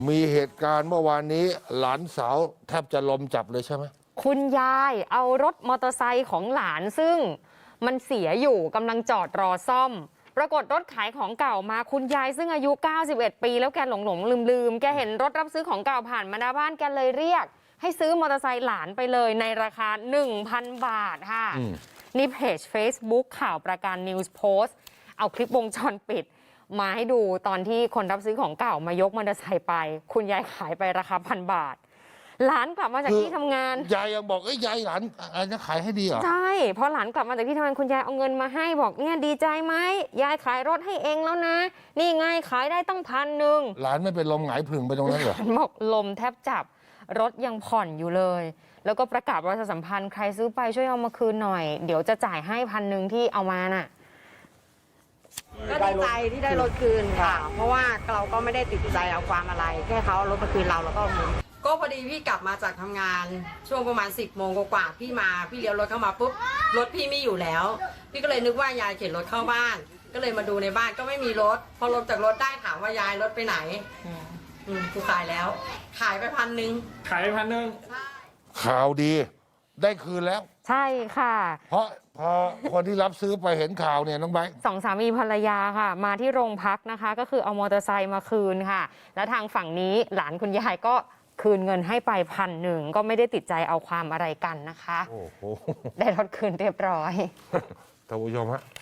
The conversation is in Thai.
มีเหตุการณ์เมื่อวานนี้หลานสาวแทบจะลมจับเลยใช่ไหมคุณยายเอารถมอเตอร์ไซค์ของหลานซึ่งมันเสียอยู่กำลังจอดรอซ่อมปรากฏรถขายของเก่ามาคุณยายซึ่งอายุ 91 ปีแล้วแกหลงลืมแกเห็นรถรับซื้อของเก่าผ่านมาหน้าบ้านแกเลยเรียกให้ซื้อมอเตอร์ไซค์หลานไปเลยในราคา 1,000 บาทค่ะนี่เพจ Facebook ข่าวประการ News Post เอาคลิปวงจรปิดมาให้ดูตอนที่คนรับซื้อของเก่ามายกมอเตอร์ไซค์ไปคุณยายขายไปราคา 1,000 บาทหลานกลับมาจากที่ทำงานยายยังบอกยายหลานอะไรจะขายให้ดีเหรอใช่พอหลานกลับมาจากที่ทำงานคุณยายเอาเงินมาให้บอกเนี่ยดีใจไหมยายขายรถให้เองแล้วนะนี่ไงขายได้ตั้ง1,000 หลานไม่เป็นลมหงายผึ่งไปตรงนั้นเหรอบอกลมแทบจับรถยังผ่อนอยู่เลยแล้วก็ประกาศประชาสัมพันธ์ใครซื้อไปช่วยเอามาคืนหน่อยเดี๋ยวจะจ่ายให้1,000ที่เอามาน่ะก็ดีใจที่ได้รถคืนค่ะเพราะว่าเราก็ไม่ได้ติดใจเอาความอะไรแค่เขาเอารถมาคืนเราแล้วก็ก็พอดีพี่กลับมาจากทำงานช่วงประมาณ10 โมงกว่าพี่เลี้ยวรถเข้ามาปุ๊บรถพี่ไม่อยู่แล้วพี่ก็เลยนึกว่ายายเข็นรถเข้าบ้านก็เลยมาดูในบ้านก็ไม่มีรถพอลงจากรถได้ถามว่ายายรถไปไหนกูขายแล้วขายไป1,000 ขายไป1,000 ข่าวดีได้คืนแล้วใช่ค่ะเพราะพอคนที่รับซื้อไปเห็นข่าวเนี่ยน้องไบร์ทสองสามีภรรยาค่ะมาที่โรงพักนะคะก็คือเอามอเตอร์ไซค์มาคืนค่ะแล้วทางฝั่งนี้หลานคุณยายก็คืนเงินให้ไป1,000ก็ไม่ได้ติดใจเอาความอะไรกันนะคะโอ้โหได้รถคืนเรียบร้อยท่านผู้ชมฮะ